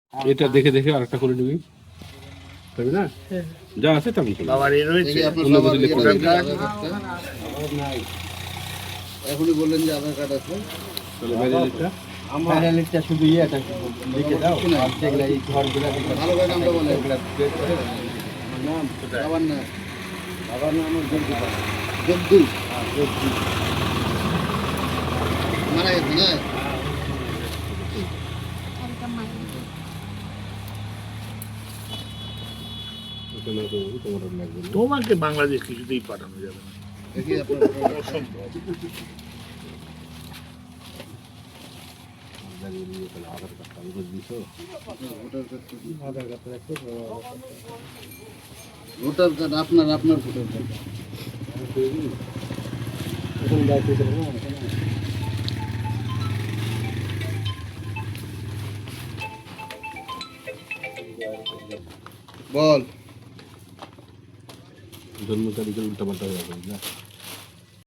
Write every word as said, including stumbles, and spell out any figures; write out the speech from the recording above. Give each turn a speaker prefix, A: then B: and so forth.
A: এটা দেখে দেখে আরেকটা করে নিবি, তাই না? যা আছে তেমন করে।
B: বাবার এই রয়েছে
A: অন্য কিছু লিখতে হবে না।
C: এখনই বললেন যে আধার কার্ড আছে।
A: তাহলে ম্যারেজটা
D: ফাইনালিস্টটা শুধু ইয়েটা লিখে দাও আর যেগুলা এই ঘরগুলা দেখে
C: ভালো করে নামটা বলেন।
D: এগুলা বের করে দাও।
C: নাম বাবার নাম বাবার নাম আমার জব্দু জব্দু মারা গেছে না?
A: ওখানে তো তোমার আর লাগবে না।
B: তোমাকে বাংলাদেশ কিছুতেই পাঠানো যাবে না,
C: দেখি আপনার
B: অসম্ভব।
A: লাগিয়ে নিয়ে তাহলে আধার কার্ডটা আমি করে দিছো।
C: ভোটার কার্ড
D: আধার কার্ডটা রাখো,
C: ভোটার কার্ড আপনার আপনার ভোটার কার্ড
D: এখন দায়িত্ব ছিল না এখন
C: বল
A: জন্ম তারিখের উল্টা পাল্টা হয়ে যাবে, বুঝলা?